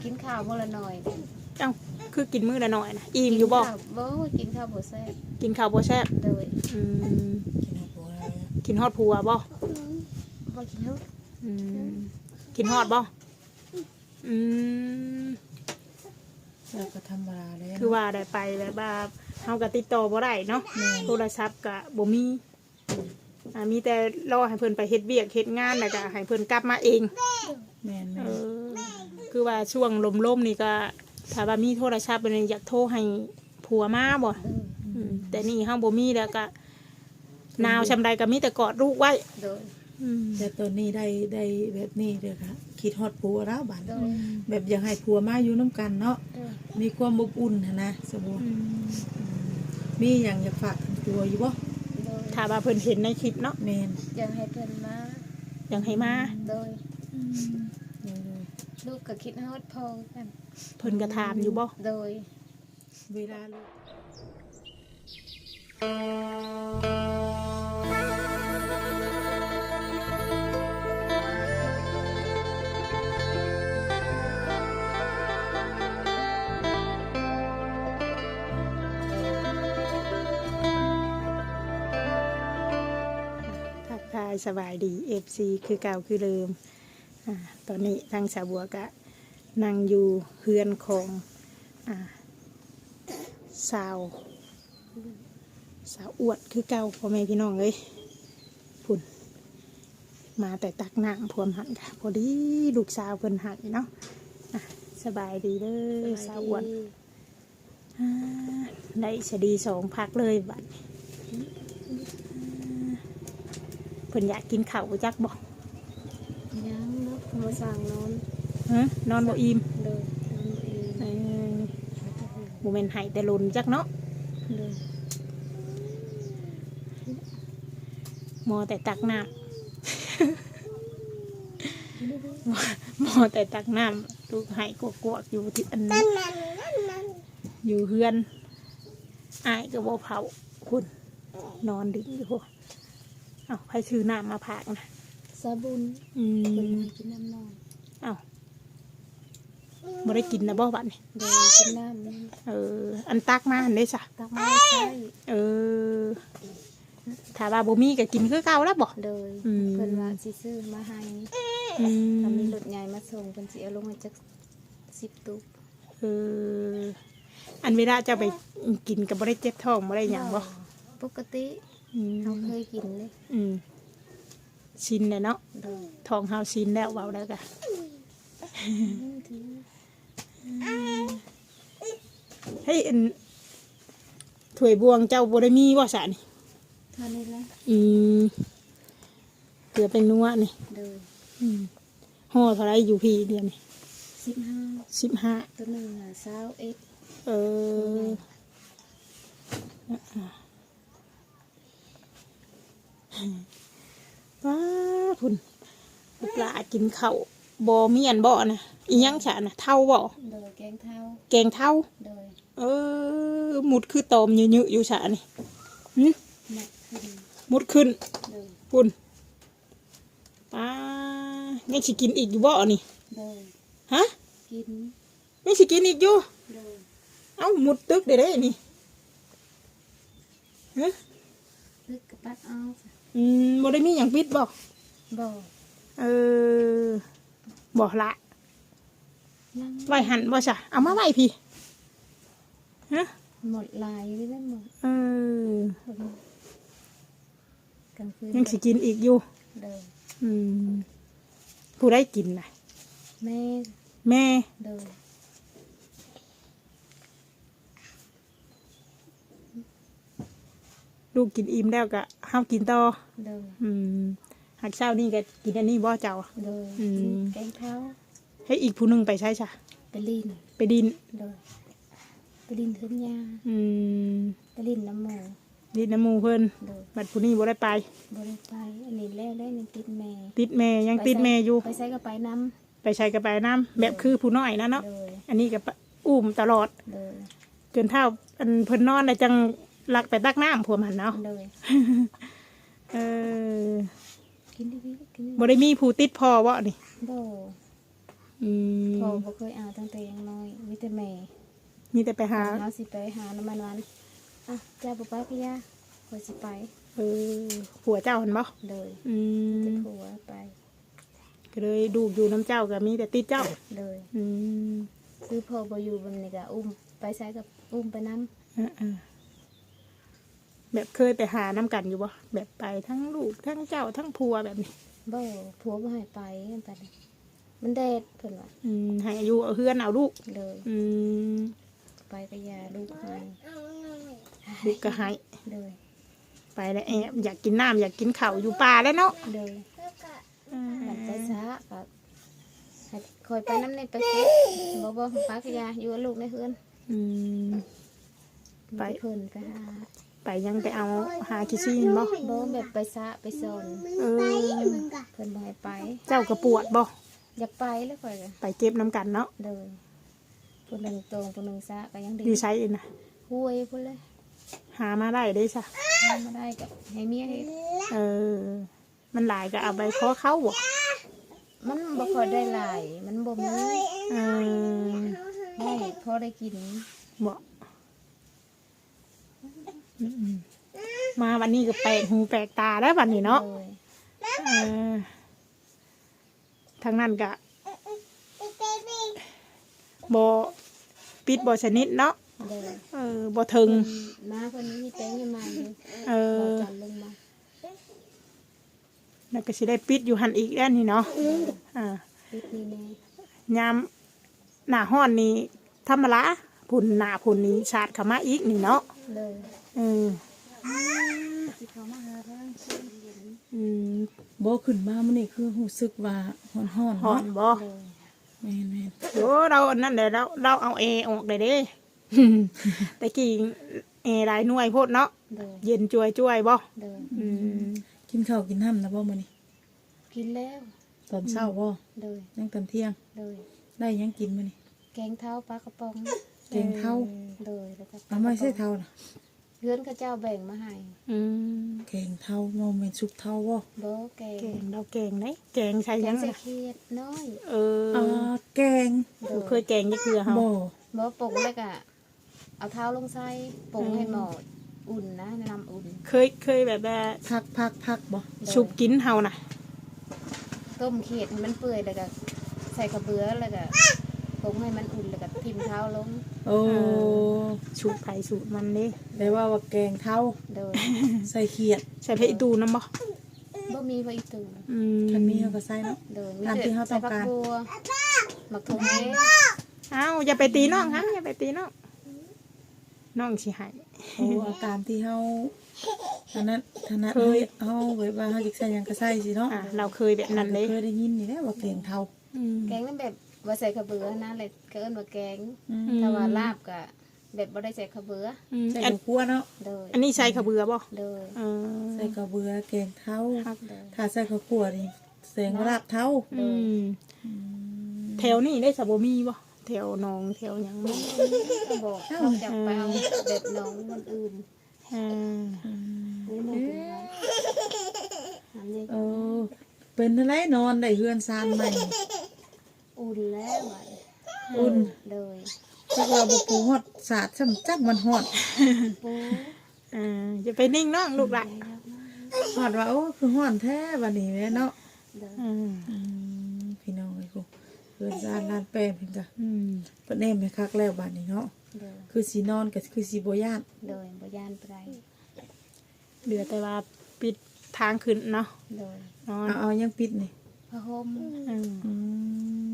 กินข้าวมื้อละหน่อยเอ้าคือกินมื้อละหน่อยนะอิ่มอยู่บ่บ่กินข้าวบ่แซ่บกินข้าวบ่แซ่บโดยกินฮอดผัวบ่บ่กินฮอดกินฮอดบ่เราก็ธรรมดาเลยคือว่าได้ไปแบบว่าเฮาก็ติดต่อบ่ได้เนาะโทรศัพท์ก็บ่มีมีแต่รอให้เพิ่นไปเฮ็ดเวียกเฮ็ดงานแล้วก็ให้เพิ่นกลับมาเองแม่นคือว่าช่วงลมๆนี่ก็ถ้าว่ามีโทรศัพท์เป็นอยากโทรให้ผัวมาบ่แต่นี่เฮาบ่มีแล้วก็นาวชำใดก็มีแต่กอดลูกไว้แต่ตอนนี้ได้แบบนี้เด้อค่ะคิดฮอดผัวแล้วบัดแบบอยากให้ผัวมาอยู่น้ำกันเนาะมีความอบอุ่นนะสมมุติมีหยังอยากฝากถึงผัวอยู่บ่ถ้าว่าเพิ่นเห็นในคลิปเนาะแม่นอยากให้เพิ่นมาอยากให้มาโดยลูกก็คิดฮอดพ่อกันเพิ่นก็ถามอยู่บ่โดยเวลาลูกสบายดี FC คือเก่าคือเดิมตอนนี้ทางสาวบัวก็นั่งอยู่เฮือนของสาวอวดคือเก่าพ่อแม่พี่น้องเลยพุ่นมาแต่ตักน้ำพวมหันค่ะพอดีลูกสาวเพิ่นหันเนาะสบายดีเลยสาวอวดได้สดี2 พักเลยบัดเพิ่นอยากกินข้าวจักบ่ยังเนาะมาสั่งนอนบ่อิ่มเลยบ่แม่นให้แต่หล่นจักเนาะมอแต่ตักน้ำมอแต่ตักน้ำลูกให้กวกๆอยู่ที่อันนั้นอยู่เฮือนอ้ายก็บ่เผาคุณนอนดึกอยู่เอาใครซื้อน้ำมาผักนะสาบุญเป็นกินน้ำนอนบ่ได้กินนะบ่บัดนี่เดี๋ยวกินน้ำอันตักมาอันนี้จ้ะตักมาใช่ถ้าว่าบ่มีก็กินคือเก่าแล้วบ่เลยเพิ่นว่าสิซื้อมาให้ถ้ามีรถใหญ่มาส่งเพิ่นสิเอาลงมาจัก10 ตุกอันเวลาจะไปกินก็บ่ได้เจ็บท้องบ่ได้หยังบ่ปกติเราเคยกินเลยชินเลยเนาะท้องเฮาชินแล้วเว้าแล้วก็ให้ถ้วยบวงเจ้าบ่ได้มีบ่ซะนี่ท่านี้แหละเกลือเป็นนัวนี่ห่อเท่าไรอยู่พี่เดียวนี่15 ตัวนึง21 ว้าพุ่นปลากินข้าวบ่มีอันบ่นะอีหยังฉะนะเท่าบ่แกงเท่าหมุดคือตอมเยอะๆอยู่ฉะนี่หมุดขึ้นพุ่นยังสิกินอีกอยู่บ่นี่ฮะกินยังสิกินอีกอยู่เอ้าหมุดตึกได้นี่ฮะตึกกับปัดเอาบ่ได้มีหยังปิดบ่บ่ละไว้หันบ่ซะเอามาไว้พี่ฮะหมดลายไปแล้วหมดกลางคืนยังสิกินอีกอยู่ผู้ได้กินน่ะแม่ลูกกินอิ่มแล้วก็ห้ามกินต่อหากเช้านี่ก็กินอันนี้บ่เจ้าแกงเท้าให้อีกผู้นึงไปใช้จ้ะไปดินเทือนยาไปดินน้ำมูเพิ่นบัดผู้นี้บ่ได้ไปอันนี้แล้วได้ยังติดแม่ยังติดแม่อยู่ไปใช้ก็ไปน้ำแบบคือผู้น้อยนะเนาะอันนี้ก็อุ้มตลอดจนเท่าอันเพิ่นนอนแล้วจังลักไปตักน้ำพวกมันเนาะบ่ได้มีผู้ติดพอวะนี่อืมพ่อบ่เคยเอาตั้งแต่ยังน้อยมีแต่แม่มีแต่ไปหาเฮาสิไปหาน้ำมันวันอ่ะเจ้าบ่ไปพี่ย่าข่อยสิไปผัวเจ้าเห็นบ่เลยอืจะมผัวไปก็เลยดูอยู่น้ำเจ้าก็มีแต่ติดเจ้าเลยอืมคือพ่อบ่อยู่บัดนี้ก็อุ้มไปใช้กับอุ้มไปนำอ่าๆแบบเคยไปหาน้ำกันอยู่บ่แบบไปทั้งลูกทั้งเจ้าทั้งผัวแบบนี้บ่ผัวบ่ให้ไปกันไปเลยมันแดดเพิ่นว่าให้อายุเอาเฮือนเอาลูกเลยอืมไปก็ยาลูกให้ลูกก็ให้เลยไปแล้วแอบอยากกินน้ำอยากกินข้าวอยู่ป่าแล้วเนาะเลยอืมมันไปซะก็ให้คอยไปน้ำในไปเก็บบ่ไปก็ยาอยู่กับลูกในเฮือนอืม ไปเพิ่นไปหาไปยังไปเอาหาคิซี่บ่บ่แบบไปซะไปสอนเออเพิ่นบ่ให้ไปเจ้ากระปวดบ่อยากไปแล้วข่อยก็ไปเก็บน้ำกันเนาะเลยผู้หนึงตรงผู้หนึงซะก็ยังดีอยู่ใช้เองนะห้วยพุ่นเลยหามาได้ได้ซะทำมาได้ก็ให้เมียเฮ็ดเออ มันหลายก็เอาไปขอเข้าบ่มันบ่ค่อยได้หลายมันบ่มีเออให้พอได้กินบ่อืมมาวันนี้ก็แปลกหูแปลกตาแล้ววันนี้เนาะเลยเออทางนั้นก็บ่ปิดบ่ชนิดเนาะเลยบ่ถึงมาคนนี้มีแตงให้มาอยู่เอบ่อจันลงมาแล้วก็สิได้ปิดอยู่หันอีกแล้วนี่เนาะอ่าปิดนี่แน่ยามหน้าห้อนนี่ธรรมดาพุ่นหน้าพุ่นนี้ชาดเข้ามาอีกนี่เนาะเลยเออสิเขามาหาทางเย็นอืมบ่ขึ้นมามื้อนี้คือรู้สึกว่าฮ้อนห้อๆเนาะนบ่เลยแม่นโอ้เราอันนั่นแหละเราเอาเอออกได้เด้ แต่กี้เอหลายหน่วยโพดเนาะเลยเย็นจ่วยบ่เลยอืมๆกินข้าวกินน้ำนะบ่มื้อนี้กินแล้วตอนเช้าบ่เลยยังตอนเที่ยงเลยได้หยังกินมื้อนี้แกงเท้าปลากระป๋องแกงเท่าเลยแล้วก็เอาไม่ใช่เท่าน่ะเพื่อนเขาเจ้าแบ่งมาให้อืมแกงเท่าบ่แม่นซุปเท่าบ่บ่แกงแกงเราแกงไหนแกงใช่แกยัง งใส่ล่ะเขียดน้อยเอออ่าแกงเลบ่ยเคยแกงจักเทื่อเฮาบ่บ่ปรุงแล้วก็เอาเท้าลงใส่ปรุงให้หมออุ่นนะน้ำอุ่นเคยแบบว่าพักบ่ชุบกินเฮาน่ะต้มเขียดให้มันเปื่อยแล้วก็ใส่กระเบือแล้วก็ปรุงให้มันอุ่นแล้วก็ทิ่มเท้าลงโอ้ชุบไผสูตรมันเด้แปลว่าแกงเท่าโดยใส่เขียดใส่เพชรอีตูนำบ่บ่มีไว้อีกตัวอืมคันมีเฮาก็ใส่เนาะโดยตามที่เขาต้องการใส่ผับัวหมักทงเอ๊ะเอ้าอย่าไปตีน้องครับอย่าไปตีน้องน้องสิให้โอ้เอาตามที่เฮาอันนั้นถนัดเคยเฮาแบบว่าเฮาสิใส่หยังก็ใส่สิเนาะเราเคยแบบนั้นเลยเคยได้ยินนี่แหละว่าแกงเท่าอืมแกงนั่นแบบว่าใส่กระเบือนะเลยก็เอิ้นว่าแกงอืมถ้าว่าลาบก็แบบบ่ได้ใส่กระเบืออืมใส่อันข้าวคั่วเนาะโดยอันนี้ใส่ขาวเบือบ่โดยเออใส่กระเบือแกงเท่าครับโดยถ้าใส่ข้าวคั่วนี่แสงว่าลาบเท่าอืมแถวนี้ได้สะบมีบ่แถวหนองแถวหยังบ่ก็บอกเขาจะไปเอาแบบน้องมันอื่นอ่านี่มันเป็นไงอันนี้เออเป็นอะไรนอนได้เฮือนซานใหม่อุ่นแล้วไว้อุ่นโดยจักว่าบ่ปูฮอดสาดซ้ำจักมันฮอดปูจะไปนิ่งน้องลูกหลานฮอดว่าโอ้คือฮ้อนแท้บัดนี้แม่เนาะโดยอืมพี่น้องเอ้ยกูเฮือนซานลานแป้งเพิ่นก็อืมเพิ่นแน่ให้คักแล้วบัดนี้เนาะโดยคือสินอนก็คือสิบ่ย่านโดยบ่ยานไปเหลือแต่ว่าปิดทางขึ้นเนาะโดยนอนเอายังปิดนี่พระห่มอืมอืม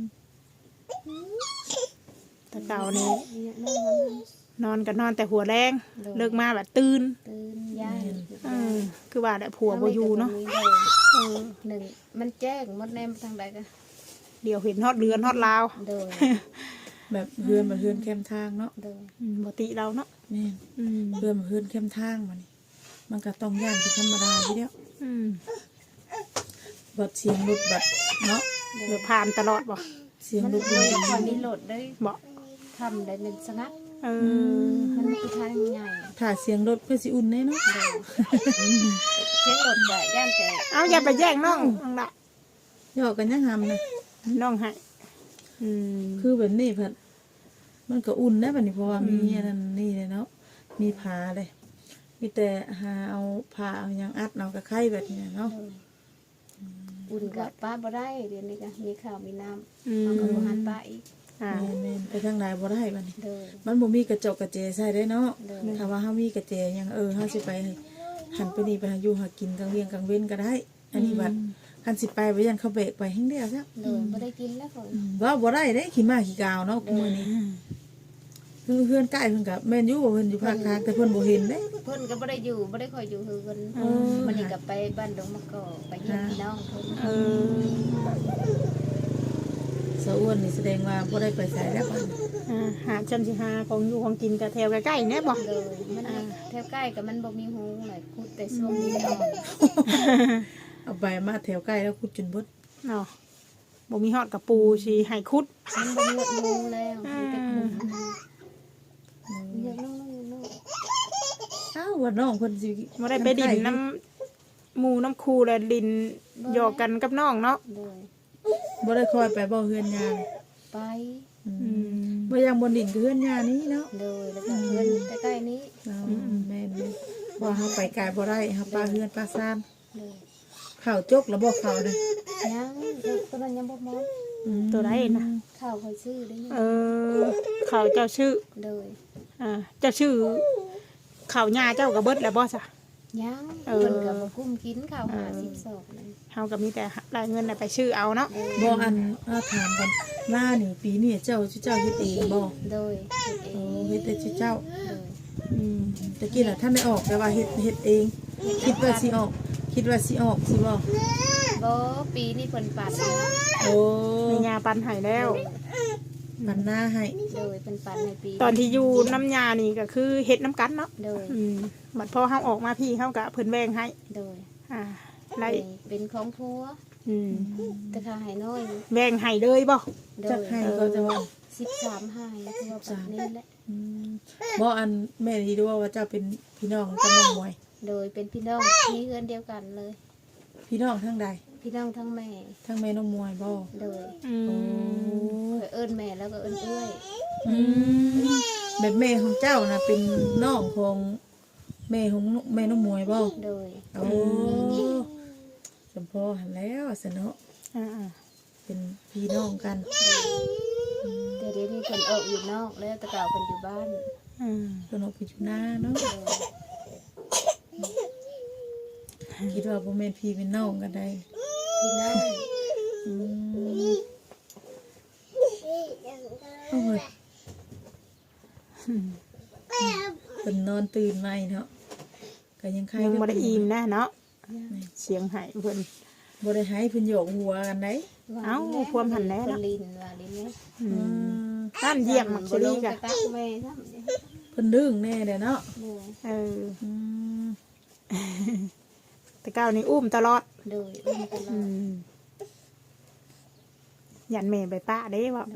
แต่เก่านี้เนี่ยนั่งมันนอนก็นอนแต่หัวแรงเลิกมาแบบตื่นตื่นย่านคือว่าแต่ผัวบ่อยู่เนาะ เออหนึ่งมันแจ้งหมดแนมทางใดกันเดี๋ยวเห็นฮอดเรือนฮอดลาวโดยแบบเฮือนบ่เฮือนแคมทางเนาะโดยบ่ติเราเนาะแม่นอืมเฮือนบ่เฮือนแคมทางบัดนี้ มันก็ต้องย่านเป็นธรรมดาทีเดียวอืมบัดเสียงรถบัดเนาะเดี๋ยวผ่านตลอดบ่เสียงมันรถเลบัยดคอยมีโหลดได้บ่ทำได้เป็นสงัดเออมันคือทางใหญ่ถ้าเสียงรถเพื่อสิอุ่นแน่เนาะโดยเช็คโหลดได้ย่านแต่เอาอย่าไปแย่งน้องน้องละหยอกกันยังหำนะน้องให้อืมคือแบบนี้เพิ่นมันก็อุ่นนะบัดนี้เพราะว่ามีอันนั้นนี่เลยเนาะมีผ้าเลยมีแต่หาเอาผ้าเอาหยังอัดเอากระไข่แบบนี้เนาะอุ่นกับป้าบ่ได้เดี๋ยวนี้ก็มีข้าวมีน้ำอืมเอากับบ่หันป้าอีกอ่าแม่นๆไปทางใดบ่ได้บัดนี้เด้อมันบ่มีกระจกกระเจใส่ได้เนาะเด้อถ้าว่าเฮามีกระเจหยังเฮาสิไปหันไปนี่ไปหาอยู่หากินกลางเวียงกลางเว้นก็ได้ อันนี้บัดคันสิไปบ่ยันเขาเบรกไปแฮงเดียวซะเด้อบ่ได้กินแล้วคนว่าบ่ได้เด้ขี้มาขี้กาวเนาะมื้อนี้คือเพื่อนใกล้เพิ่นก็แม่นอยู่ว่าเพิ่นอยู่ภาคกลางแต่เพิ่นบ่เห็นเด้เพิ่นก็บ่ได้อยู่บ่ได้คอยอยู่คือเพิ่นมันนี่ก็ไปบ้านดงมะกอกไปเยี่ยมพี่น้องเพิ่นเออสะอ้วนนี่แสดงว่าบ่ได้ไปไสแล้วบัดนี้หาจันสิหาของอยู่ของกินกับแถวใกล้ๆเนี่ยบ่เด้อมันแถวใกล้ก็มันบ่มีหูหลายคุดแต่ช่วงนี้ได้ออกเอาไปมาแถวใกล้แล้วขุดจนเบิดเนาะบ่มีฮอดกับปูสิให้คุดมันบ่มีหูแล้วมีแต่คุดเยอะน้องอ้าวว่าน้องเพิ่นสิบ่ได้ไปดินน้ำหมู่น้ำคูและดินหยอกกันกับน้องเนาะเด้อบ่ได้คอยไปบ่เฮือนยาเลยไปบ่ยังบนดินคือเฮือนยานี้เนาะเด้อแล้วก็เพิ่นใกล้ๆนี้แม่นๆว่าเฮาไปไกลบ่ได้เฮาปลาเฮือนปลาซ่านเด้อข้าวจกแล้วบ่ข้าวนะยังตัวนั้นยังบ่หมดตัวใดนะข้าวคอยซื้อได้ยังเขาเจ้าชื่อเด้อเจ้าชื่อเขาหญ้าเจ้าก็เบิดแล้วบ่ซะยังเออเพิ่นก็บ่กุ้มกินข้าว50ศอกนั่นเฮาก็มีแต่รายเงินน่ะไปชื่อเอาเนาะบ่อันถามกันล่านี่ปีนี้เจ้าเฮ็ดเองบ่โดยเฮ็ดเองเฮ็ดแต่เจ้าโดยตะกี้น่ะท่านได้ออกแต่ว่าเฮ็ดเอง คิดว่าสิออกสิบ่บ่ปีนี้เพิ่นปัดโอ้มีหญ้าปันให้แล้วมันหน้าให้โดยเพิ่นปัดในปีตอนที่อยู่น้ำยานี่ก็คือเฮ็ดน้ำกันเนาะโดยบัดพอเฮาออกมาพี่เฮาก็เพิ่นแบ่งให้โดยไล่เป็นของผัวแต่ค่าให้น้อยแบ่งให้เลยบ่โดจักยให้ก็จะว่า 13ให้คือว่าปัดนี้แหละบ่อันแม่ที่ดูว่าเจ้าเป็นพี่น้องกับน้องมวยโดยเป็นพี่น้องพี่เฮือนเดียวกันเลยพี่น้องทั้งใดพี่น้องทั้งแม่ทั้งแม่น้องมวยบ่โดยโอ้เคยเอิ้นแม่แล้วก็เอิ้นเอื้อยแบบแม่ของเจ้านะเป็นน้องของแม่ของแม่น้องมวยบ่โดยโอ้สมพอหันแล้วสนเนาะอ่าเป็นพี่น้องกันแต่เดี๋ยวนี้เพิ่นออกอยู่นอกแล้วแต่เก่าเพิ่นอยู่บ้านเพิ่นออกไปอยู่หน้าเนาะโดยคิดว่าบ่แม่นพี่เป็นน้องกันได้พี่น้องอืมโอ้ยเพิ่นนอนตื่นใหม่เนาะก็ยังไข้ยังบ่ได้อิ่มนะเนาะเสียงให้เพิ่นบ่ได้ให้เพิ่นโยกหัวกันได้เอ้าความหันแล้วเพิ่เนาะนลินว่าลินเนี่ยนั่นเยี่ยมมักซิรีกะบ่ลงไปตักแม่ซ้ำเพิ่นดึงแน่เด้อเนาะโดยอืมแต่ก้าวนี่อุ้มตลอดโดยอุ้มตลอดยันแม่ไปป้าเด้ว่า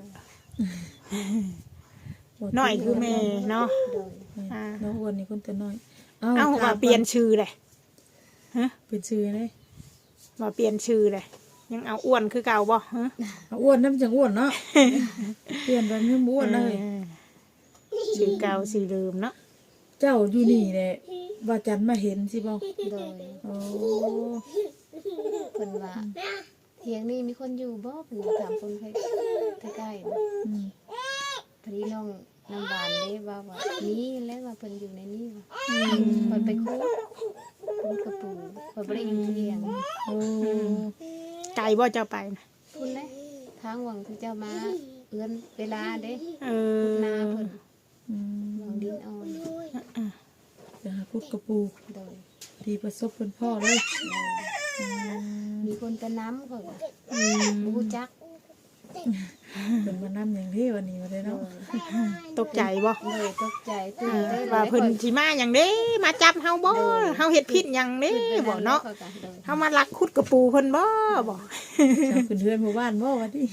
น้อยคือแม่เนาะโดยน้องอ้วนนี่คนตัวน้อยเอ้าว่าเปลี่ยนชื่อเลยเป็นชื่อเลยว่าเปลี่ยนชื่อเลยยังเอาอ้วนคือเก่าบ่ฮะอ้วนน้ำจังอ้วนเนาะ เปลี่ยนไปไม่อ้วนเลยชื่อเก่าชื่อเดิมเนาะเจ้าอยู่นี่แหละว่าจันมาเห็นสิบ่โดยโอ้เพิ่นว่าเถียงนี่มีคนอยู่บ่เพิ่นถามคนใกล้ๆนะอืมพอดีน้องน้ำหวานได้ว่านี่แล้วว่าเพิ่นอยู่ในนี้ว่าเพิ่นไปคุดกระปูเพิ่นบ่ได้อยู่เที่ยงโอ้ไก่บ่เจ้าไปนะพุ่นเลยทางหวังที่เจ้ามาเอื้อนเวลาเด้เอพุดอนาเพิ่นอืมหวังดินอ่อนไปหาพุดกระปูโดยดีประสบเป็นพ่อเลยมีคนตะน้ำเขาว่าบ่รู้จักเป็นมานั่อย่างที่วันนี้มาได้โดเนาะยตกใจบ่เลยตกใจตื่นได้ว่าเพิ่นสิมาหยังเด้มาจับเฮาบ่เฮาเฮ็ดผิดหยังเด้บ่เนาะเฮามาลักขุดกระปูเพิ่นบ่บ่เจ้าขึ้นเฮือนหมู่บ้านบ่วันนี้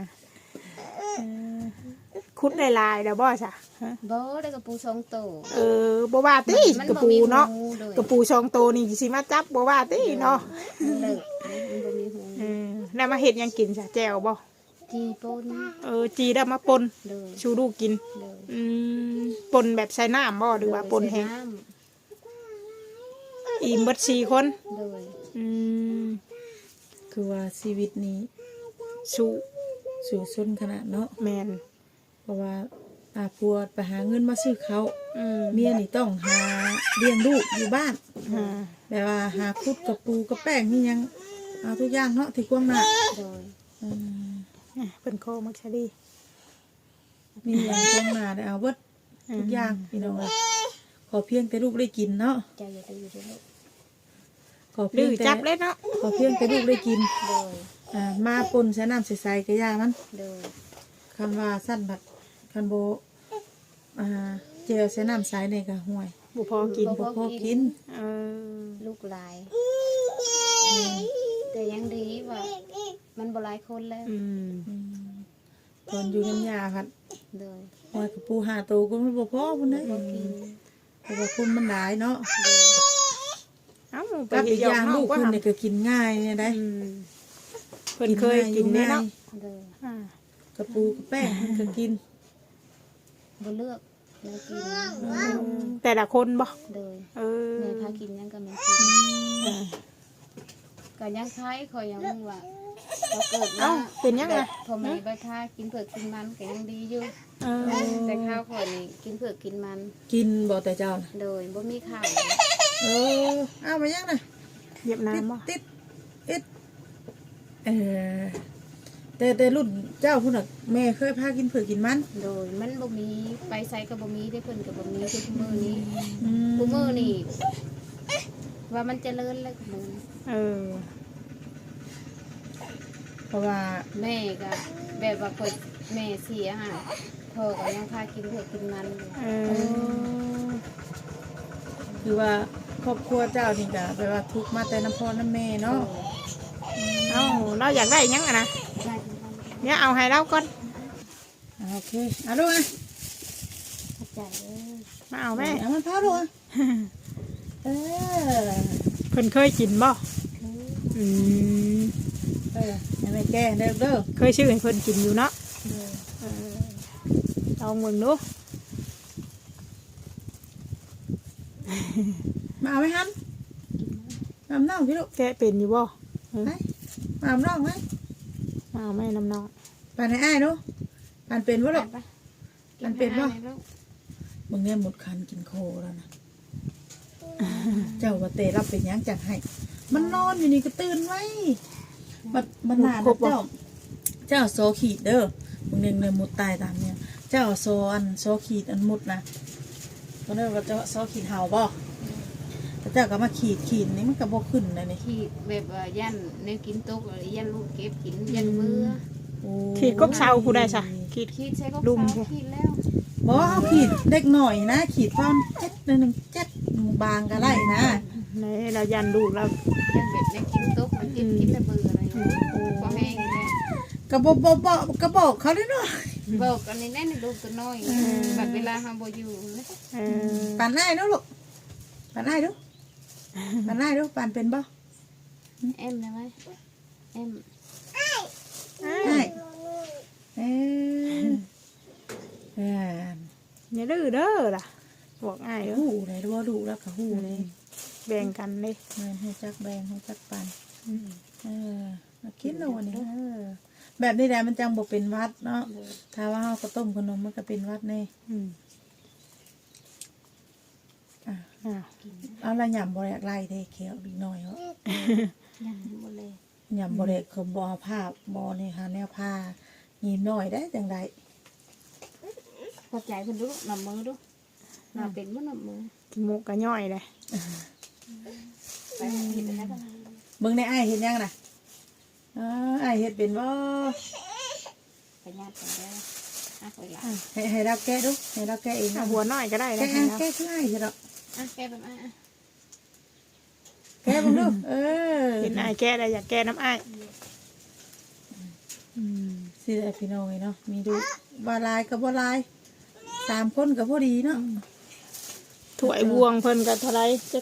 ขุดได้ลายแล้วบ่ซะบ่ได้กระปู2โตบ่ว่าติกระปูเนาะโดยกระปู2โตวนี่สิมาจับบ่ว่าติเนาะมันเลิกมันบ่มีหูแล้วมาเฮ็ดหยังกินซะแจ่วบ่จีปนจีได้มาปนเลยชูลูกกินเลยปนแบบใส่น้ำบ่หรือว่าปนแห้งใส่ำอิ่มเบิด4 คนเลยอืมคือว่าชีวิตนี้สู้สู่ซนขนาดเนาะแมนเพราะว่าผัวไปหาเงินมาซื้อเขาวอืมเมียนี่ต้องหาเลี้ยงลูกอยู่บ้านอ่าแบบว่าหาคุดกับปูกับแป้งนี่ยังเอาทุกอย่างเนาะที่กว้างหน้าเลยอืมเป็นโคมักชะดีมีอย่างกว้างหน้าได้เอาเบิดทุกอย่างพี่น้องเอ้ยขอเพียงแต่ลูกได้กินเนาะใจอย่าดื้อเด้อลูกขอเพีดื้ยงอแต่จับเลยเนาะขอเพียงแต่ลูกได้กินเลยมาปนใส่น้ำใสๆกระยามันเลยคำว่าสั้นบัดคันโบเจลใส่น้ำใสเนี่ยก็ห่วยบุพอกินบ่พอกินเออลูกหลาย แต่ยังดีว่ามันบ่หลายคนแล้วอืมตอนอยู่น้ำยาพัดเลยห่วยกับปูหาตัวก็ไม่บ่พอพุ่นนะบ่กินเพราะว่าคุณมันหลายเนาะเลยเอ้าไปกับอีกเฮ็ดอย่างเฮลูกก็คุณทำเนี่ยก็กินง่ายเนี่ยได้อืมเพิ่นเคยกินเด้เนาะเลยอ่ากับปูกับแป้งเพิ่นก็กินบ่เลือกแล้วกินแต่ละคนบ่เลยเออแม่พากินยังก็แม่กินอ่าก็ยังคล้ายคอยยังว่าเราเกิดเอ้ามาเป็นยังไงพอแม่ใบพากินเผือกกินมันก็ยังดีอยู่เออแต่ข้าวข่อยนี่กินเผือกกินมันกินบ่แต่เจ้าน่ะโดยบ่มีข้าวเออเอามายังน่ะเวียดนาติมดบ่ติดติดแต่รุ่นเจ้าพุ่นน่ะแม่เคยพากินเผือกกินมันโดยมันบ่มีไปใส่ก็บ่มีได้เพิ่นก็บ่มีคือคุมื้อนี้อืมคุมื้อนี่ว่ามันเจริญแล้วคุมื้อเออเพราะว่าแม่ก็แบบว่าข่อยแม่เสียห่าพ่อก็ยังพากินเผือกกินมันอยู่เออคือว่าครอบครัวเจ้านี่ก็แปลว่าทุกข์มาแต่น้ำพ่อน้ำแม่เนาะเอ้าเราอยากได้หยังอะนะได้ทั้งวันเนี่ยเอาให้เราก่อนโอเคเอาลูกอ่ะเข้าใจเด้อมาเอาแม่เอามันพาลูกอ่ะเออเพิ่นเคยกินบ่คืออืมให้แม่แก้เด้อเด้อเคยชื่อให้เพิ่นกินอยู่เนาะโดยเออลองเบิ่งดูมาเอาไหมฮันมาเอาน้องพี่ลูกแกะเป็นอยู่บ่ไปมาเอาน้องไหมมาเอาแม่น้ำน้องปานให้อ้ายดูปานเป็นวะลูกไปมันเป็นบ่ให้ลูกมึงเนี่ยหมดคันกินโคแล้วนะเจ้าว่าเตรับเป็นหยังจัดให้ มันนอนอยู่นี่ก็ตื่นไว้มันนานแล้วเจ้าโซขีดเด้อมึงเนี่ยเลยมุดตายตามเนี่ย เจ้าโซขีดอันมุดนะตอนนั้นว่าเจ้าโซขีดเห่าบ่แต่เจ้าก็มาขีดนี่มันก็บ่ขึ้นเลยนี่ขีดแบบว่ายันในกินตกหรือยันลูกเก็บกินยันเบื่อโอ้ขีดกบเซาผู้ใดซะขีดขีดใช้ก็ดุมเสาขีดแล้วบ่เอาขีดเล็กหน่อยนะ ขีดความเจ็ดหนึ่งเจ็ดบางก็ไล่นะในเรายันดูเรายันแบบในกินตกมันกินกินแล้วเบื่ออะไรอย่างเงี้ยพอแห้งแล้วกระบอกเขาด้วยเนาะบอกอันนี้แน่ในลูกตัวน้อยบัดเวลาเฮาบ่อยู่เลยเออปานได้เนาะลูกปานได้ดูปานได้ดูปานเป็นบ่เอ็มได้ไหมเอ็มได้เอออย่าดื้อเด้อล่ะบอกง่ายเด้อหูเลยว่าดูแล้วก็หูเลยแบ่งกันเลยเงินหูจักแบงหูจักปานอืมมาคิดเอาวันนี้แบบนี้แหละมันจังบ่เป็นวัดเนาะถ้าว่าเฮาก็ต้มขนมมันก็เป็นวัดแน่อืมอ่ะอ้าวเอาละหย่ำบ่อยากไล่เด้เขียวอีกหน่อยเนาะยันหมดเลยหย่ำบ่ได้คือบ่เอาผ้าบ่นี่ค่ะแนวผ้าหีบหน่อยได้จังไดพอใจเพิ่นดูนำมือดูนำเป็นบ่นำมือกินหมูกระย่อยเลยไปเฮ็ดอะไรบ้างเบิ่งในอ้ายเฮ็ดยังน่ะอ้ายเฮ็ดเป็นบ่ไปญาติกันได้อ่ะไปละให้เราแก้ดูให้เราแก้เองเอานะหัวน้อยก็ได้แก้นะแก้คืออ้ายใช่ดอกอ่ะแกแบบอ่ะแก้เบิ่งดูเห็นไอ้ายแก้ได้อยากแก้น้ำไอ้ายอืมสิได้พี่น้องเนาะมีดูบ่ลายก็บ่ลาย3คนก็พอดีเนาะถ้วยบวงเพิ่นก็เท่าไรจะ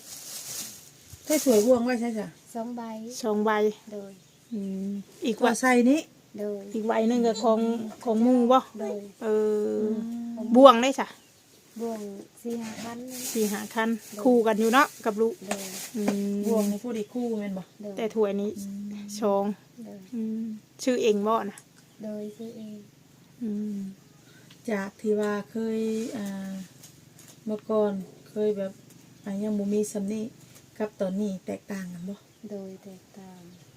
ใส่ถ้วยบวงไว้ใช่จ้ะ 2 ใบ 2 ใบโดยอืมอีกว่าว่าใส่นี้โดยอีกใบหนึงก็ของหมู่บ่โดยเออบ่วงได้จ้ะบ่วง4-5คันนั่น 4-5คันคู่กันอยู่เนาะกับลูกโดยอืมบวงนี่ผู้ดีคู่แม่นบ่โดยแต่ถ้วยนี้ชองโดยชื่อเองบ่นะโดยซื้อเองอืมจากที่ว่าเคยเมื่อก่อนเคยแบบยังบ่มีสำนี้กับตอนนี้แตกต่างกันบ่โดยแตกต่าง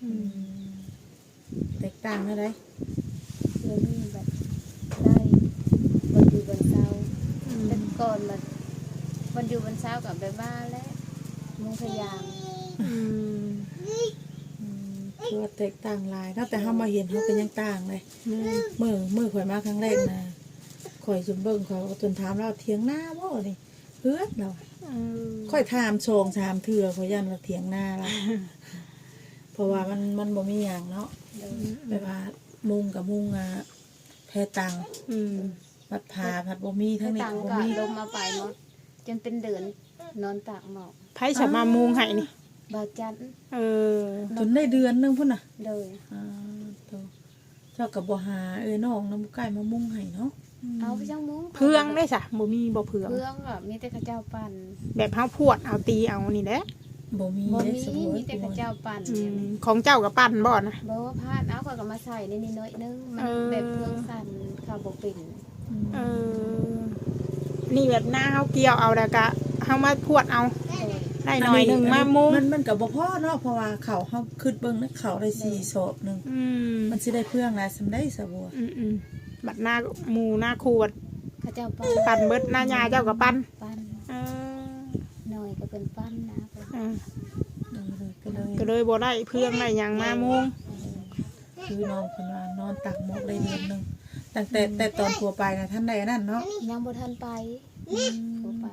แตกต่างเท่าใดเดี๋ยวนี้แบบได้วันอยู่วันเสาร์แต่ก่อนแบบวันอยู่วันเสาร์กับแบบบ้านและมุงพยางอืมคือว่าแตกต่างหลายเนาะแต่เฮามาเห็นเฮาก็ยังต่างเลยแม่นมื้อข่อยมาครั้งแรกนะข่อยจุ่มเบิ่งข่อยก็จนถามเราเถียงหน้าบ่นี่เฮือดเราเออค่อยถามโชงถามเถื่อข่อยยันว่าเถียงหน้าเราเพราะว่ามันบ่มีหยังเนาะโดยแบบว่ามุงกับมุงแพตังอืมผัดผาผัดบ่มีทั้ถ้างนี้ต่างก็บ่ก็มีลมมาไปหมดจนเป็นเดือนนอนตากหมอกไผสามารถมุงให้นี่บาวจันเออจนได้เดือนนึงพุ่นน่ะโดยโตเจ้าก็บ่หาน้องน้ำไก่มามุงให้เนาะเอาไปช่างมุ้งเพื่องได้จ้ะบ่มีบ่เพื่องเพื่องก็มีแต่ข้าเจ้าปั่นแบบเฮาพวดเอาตีเอานี่แหละบ่มีบ่ได้มีสมมุมีติแต่ข้าเจ้าปั่นอืเนี่ยมนะของเจ้ากับปั้นบ่นะบ่ว่าพลาดเอาเขาก็มาใส่ในนิดน้อยนึงมันเออแบบเพื่องสั่นเขาบ่เป็นเออนี่แบบหน้าเฮาเกี่ยวเอาแล้วก็เฮามาพวดเอาโดยได้หน่อยหนึงมามุงมันก็บ่พอเนาะเพราะว่าเขาเฮาขึ้นเบิ่งนะเขาได้4ศอกนึงอืมมันสิได้เพื่องหลายสำได้สะบัวอืมบัดหน้าหมู่หน้าครูบัดข้าเจ้าปั่นปั้นเบิดหน้ายาเจ้ากับปั้นปั่นเออหน่อยก็เป็นปั่นนะเพิ่นอ่าก็เลยก็เลยบ่ได้เพื่องได้หยังมามุงคือน้องเพิ่นว่านอนตักหมกได้เดือนนึงตั้งแต่ตอนทัวไปนะท่านใดนั่นเนาะยังบ่ทันไปบ่ไป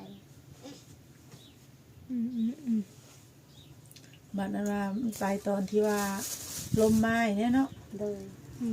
บัดนั้นว่าไปตอนที่ว่าลมไม้เนี่ยเนาะโดย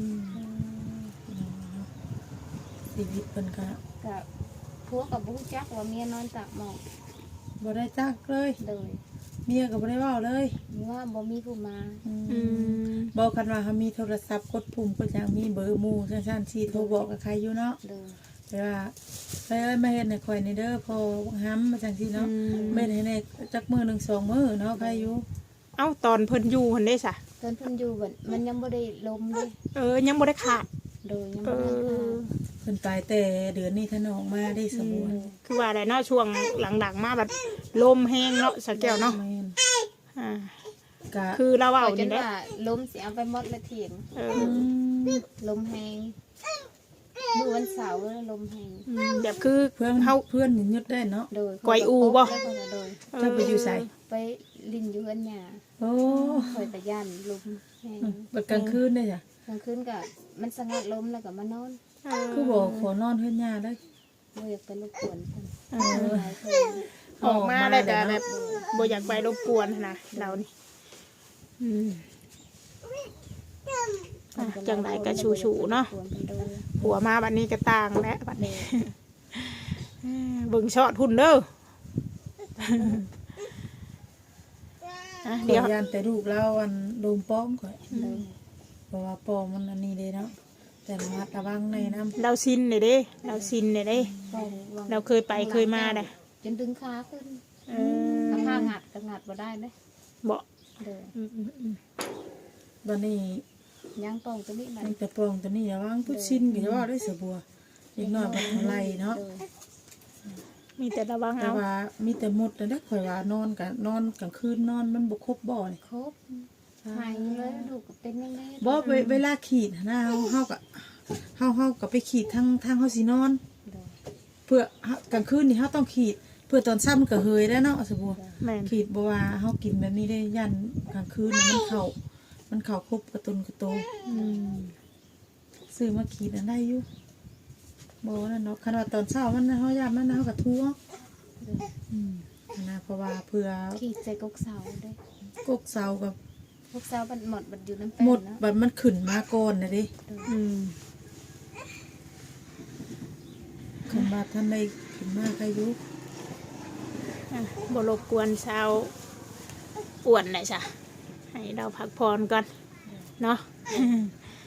ชีวิตเพิ่นก็กับพวกกับบุ้งจักว่าเมียนอนตากหมอกบ่ได้จักเลยโดยเมียก็บ่ได้เว้าเลยมีว่าบ่มีผู้มาบอกกันว่าเขามีโทรศัพท์กดปุ่มก็ยังมีเบอร์หมู่ซั่นๆสิโทรบอกกับใครอยู่เนาะโดยแต่ว่าไปเอ้ยมาเฮ็ดให้ข่อยนี่เด้อพอห้ำมาจังซี่เนาะแม่นให้แน่จักมื้อหนึง2มื้อเนาะใครอยู่เอ้าตอนเพิ่นอยู่เพิ่นได้ซะตอนเพิ่นอยู่บัดมันยังบ่ได้ลมเลยยังบ่ได้ขาดโดยยังเอบ่ได้อเพิ่นไปแต่เดือนนี้ท่านออกมาได้สมบูรณ์คือว่าได้เนาะช่วงหลังๆมาแบบลมแห้งเนาะสะแก้วเนาะแม่นอ่าก็คือเราเอาเอาจนี่นแหละว่าลมสิเอาไปหมดละเถียงเออลมแห้งมื้อวันเสาร์ลมแห้งแบบคือเพื่อนเฮาเพื่อนหยุดได้เนาะโดยก้อยอูบ่แล้วก็โดยเจ้าไปอยู่ไสไปลินอยู่เฮือนหญ้าโอ้คอยตะย่านลมแห้งบัดกลางคืนได้จ้ะกลางคืนก็มันสงัดลมแล้วก็มานอนคือบอกขอนอนเฮือนย่าเลยบ่อยากไปรบกวนเพิ่น หลายคนออกมาแล้วก็แบบบ่อยากไปรบกวนนะเรานี่จังไรก็ชูๆเนาะหัวมาบัดนี้ก็ต่างแล้วบัดนี้เบิ่งช็อตหุ่นเด้อเดี๋ยเดี๋ยว วยันแต่ลูกเราอันโดมป้อมก่อนเพราะว่าป้อมมันอันนี้เลยเนาะแต่ระมัดระวังในน้ำเราซินเลยเด้เราซินเลยเด้ เราเคยไปเคยมาเด้จนดึงขาขึ้นเอถ้าอผ้างัดก็งัดบ่ได้เด้บ่เด้อวันนี้ยังป้องตัวนี้มันตั้งแต่ป้องตัวนี้ระวังพุชชินก็จะว่าได้เสือบัวอีกหน่อยมันทำไรเนาะเด้อมีแต่ระวังแต่เอาว่ามีแต่หมดแต่ได้ข่อยว่านอนกลางคืนนอนมันบ่ครบบ่นี่ครบหายเลยลูกก็เป็นยังไงบ่เวลาขีดนะเฮาก็ไปขีดทางเฮาสินอนเด้อเพื่อกลางคืนนี่เฮาต้องขีด เพื่อตอนซ้ำมันก็เฮยแล้วเนาะสบัวแม่นขีดบ่ว่าเฮากินแบบนี้ได้ยันกลางคืนน่ะมันเข้าครบกระตุนกระโตซื้อมาขีดอันได้อยู่บ่นั่นเนาะคันว่าตอนเช้ามันเฮายามมันเฮาก็ทั่วนะเพราะว่าเพื่อขีดใส่กกเสาเด้อกกเสากับกกเสามันหมดมันอยู่น้ำแป้หมงดเนาะบัดมันขึ้นมาก่อนน่ะเด้ คันว่าท่านได้ขึ้นมาใครอยู่บ่รบกวนชาวอ้วนหน่อยจ้ะให้เราพักผ่อนก่อนเนาะ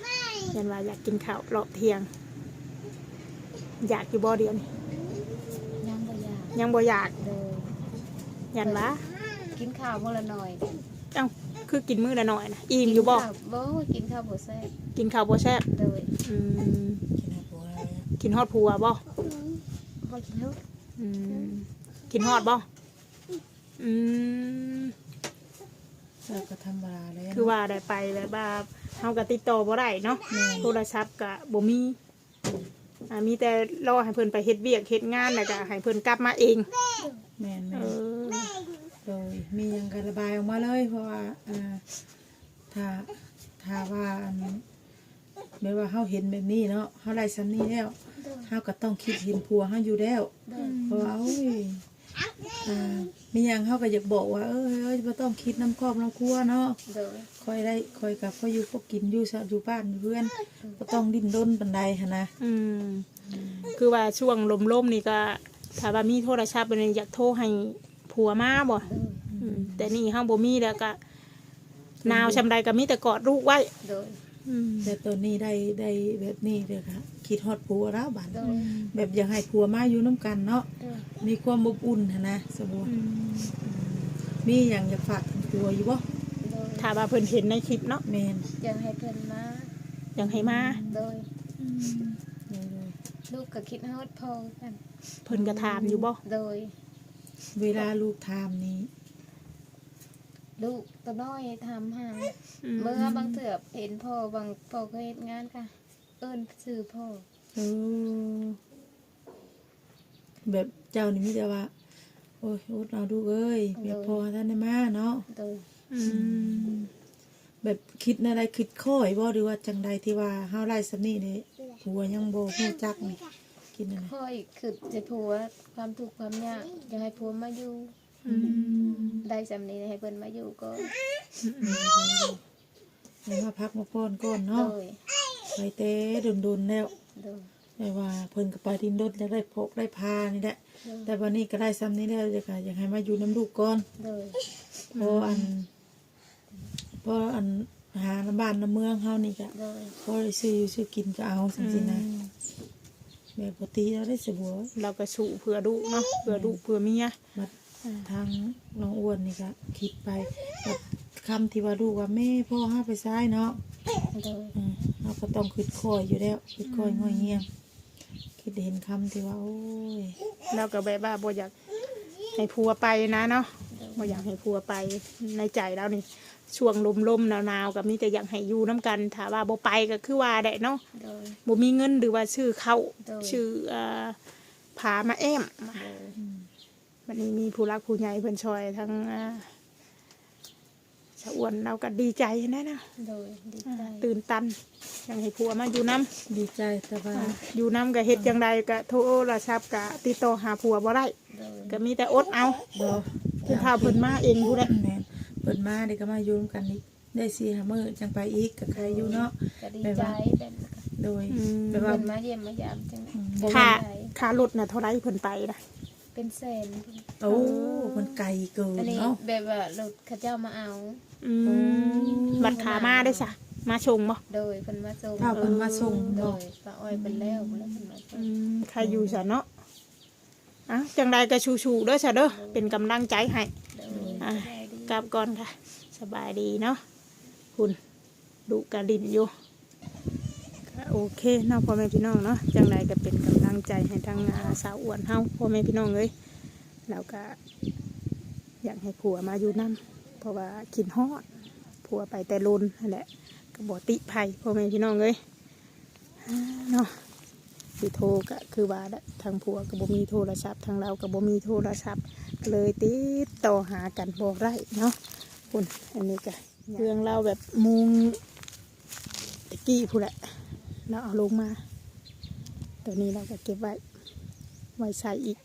ยันว่าอยากกินข้าวรอบเที่ยง อยากอยู่บ่เดียวนี่ยังบ่อยากยังบ่อยากโดยยันว่ากินข้าวมื้อละหน่อยเอ้าคือกินมื้อละหน่อยนะอิ่มอยู่บ่กินข้าวบ่แซ่บกินข้าวบ่แซ่บโดยอืมกินให้ผัวอะไรอะกินฮอดผัวบ่บ่กินเฮาอืมกินฮอดบ่อืมแล้วก็ธรรมดาเลยคือว่าได้ไปแบบว่าเฮาก็ติดต่อบ่ได้เนาะโทรศัพท์ก็บ่มีมีแต่รอให้เพิ่นไปเฮ็ดเวียกเฮ็ดงานแล้วก็ให้เพิ่นกลับมาเองแม่นเออโดยมีหยังก็ระบายออกมาเลยเพราะว่าถ้าถ้าว่าแบบว่าเฮาเห็นแบบนี้เนาะเฮาไล่ซ้ำนี้แล้วเฮาก็ต้องคิดเห็นผัวเฮาอยู่แล้ว เพราะว่าโอ้ยมีหยังเฮาก็อยากบอกว่าเอ้ยบ่ต้องคิดน้ำครอบน้ำครัวเนาะโดยค่อยกับค่อยอยู่พวกกินอยู่ซะอยู่บ้านอยู่เพื่อนบ่ต้องดิ้นรนปานใดหั่นนะอืมคือว่าช่วงลมๆนี่ก็ถ้าว่ามีโทรศัพท์เป็นอยากโทรให้ผัวมาบ่แต่นี่เฮาบ่มีแล้วก็นาวชำใดก็มีแต่กอดลูกไว้โดยแต่ตอนนี้ได้แบบนี้เด้อค่ะคิดฮอดผัวแล้วบัดโดยแบบอยากให้ผัวมาอยู่นํกันเนาะโดยมีความอบอุ่นหั่นนะสมมุติมีหยังอยากฝากถึงผัวอยู่บ่โดยถ้าว่าเพิ่นเห็นในคลิปเนาะแม่นอยากให้เพิ่นมาอยากให้มาโดยโดยลูกก็คิดฮอดพ่อกันเพิ่นก็ถามอยู่บ่โดยเวลาลูกถามนี้ลูกตัวน้อยทำหาเมื่อบางเถื่อเห็นพ่อบางพ่อก็เฮ็ดงานค่ะ เอิ้นชื่อพ่อเออแบบเจ้านี่มีแต่ว่าโอ้ยอดเอาดูกเอ้ยแบบพอท่านได้มาเนาะโดยแบบคิดอะไรคิดข้อยบ่หรือว่าจังใดที่ว่าเฮาไล่สำนี่นี่ผัวยังบ่ฮู้จักนี่คิดอะไรพ่ออีกคือจะผัวความทุกข์ความยากอยากให้ผัวมาอยู่ได้สำนี้ให้เพิ่นมาอยู่ก็ให้มาพักมาป้อนก่อนโดเนาะยไปเต้โดนๆแล้วโดยแต่ว่าเพิ่นก็ไปดินรถอยากได้พกได้พานี่แหละแต่วันนี้ก็ได้ซ้ำนี้แล้วอยากให้มาอยู่น้ำลูกก่อนโดยเพราะอันหาน้ำบ้านน้ำเมืองเฮานี่ก็โดยพอได้ซื้ออยู่ซื้อกินก็เอาจังซี่นะแบบปกติแล้วได้สบัวเราก็สู้เพื่อลูกเนาะเพื่อลูกเพื่อเมียมาทางน้องอ้วนนี่ก็คิดไปแบบคำที่ว่าลูกว่าแม่พ่อห้าไปซ้ายเนาะโดยเราก็ต้องคิดคอยอยู่แล้วคิดคอยง่อยเงียบคิดเห็นคำที่ว่าโอ้ยเราก็แบบว่าบ่อยากให้ผัวไปนะเนาะบ่อยากให้ผัวไปในใจแล้วนี่ช่วงลมๆหนาวๆก็มีแต่อยากให้อยู่น้ำกันถ้าว่าบ่ไปก็คือว่าได้เนาะโดยบ่มีเงินหรือว่าชื่อเข้าโดยชื่อผามาแอมวันนี้มีผู้รักผู้ใหญ่เพิ่นช่วยทั้งชะอ้วนเราก็ดีใจนะนะโดยดีใจตื่นตันอยากให้ผัวมาอยู่น้ำดีใจแต่ว่าอยู่น้ำก็เฮ็ดจังใดก็โทรศัพท์ก็ติดต่อหาผัวบ่ได้โดยก็มีแต่อดเอาเราคือถ้าเพิ่นมาเองผู้ใดแม่นเปิดมาเด็กก็มาอยู่ร่วมกันอีกได้4-5 มื้อจังไปอีกกับใครอยู่เนาะก็ดีใจแบบโดยเพิ่นมาเยี่ยมมายามจังค่ารถน่ะเท่าไรเพิ่นไปนะเป็นแสนโอ้มันไกลเกินอันนี้เนาะแบบว่ารถเขาเจ้ามาเอาบัตรขามาได้ซะมาชงบ่โดยเพิ่นมาส่งถ้าเพิ่นมาส่งโดเนาะยป้าอ้อยเป็นแล้วเพิ่นมาส่งใครอยู่ซะเนาะอ่ะจังใดก็ชูๆเด้อซะเด้อเป็นกำลังใจให้โดยอ่ะได้ดีกลับก่อนค่ะ สบายดีเนาะคุณดุกระดินอยู่ก็โอเคเนาะพ่อแม่พี่น้องเนาะจังใดก็เป็นกำลังใจให้ทั้งสาวอ้วนเฮาพ่อแม่พี่น้องเลยแล้วก็อยากให้ผัวมาอยู่นํเพราะว่าคิดฮอดผัวไปแต่ลุนนั่นแหละก็บ่ติไผพ่อแม่พี่น้องเลยเนาะสิโทรก็คือว่าทางผัวก็บ่มีโทรศัพท์ทางเราก็บ่มีโทรศัพท์ก็เลยติดต่อหากันบ่ได้เนาะคุณอันนี้ก็เรื่องเราแบบมุงตะกี้พูดแหละเราเอาลงมาตัวนี้เราก็เก็บไว้ใส่อีก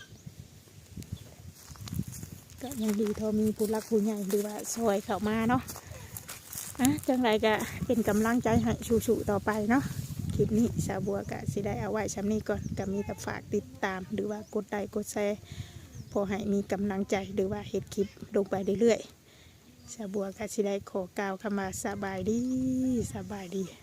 ก็ยังดีเทอมีผู้รักผู้ใหญ่หรือว่าซอยเข้ามาเนาะจังไรก็เป็นกำลังใจให้ชูๆต่อไปเนาะคลิปนี้สาวบัวก็สิได้เอาไว้ชั้นนี้ก่อนก็มีแต่ฝากติดตามหรือว่ากดไลค์กดแชร์พอให้มีกำลังใจหรือว่าเฮ็ดคลิปลงไปเรื่อยๆสาวบัวก็สิได้ขอกล่าวคำว่าสบายดี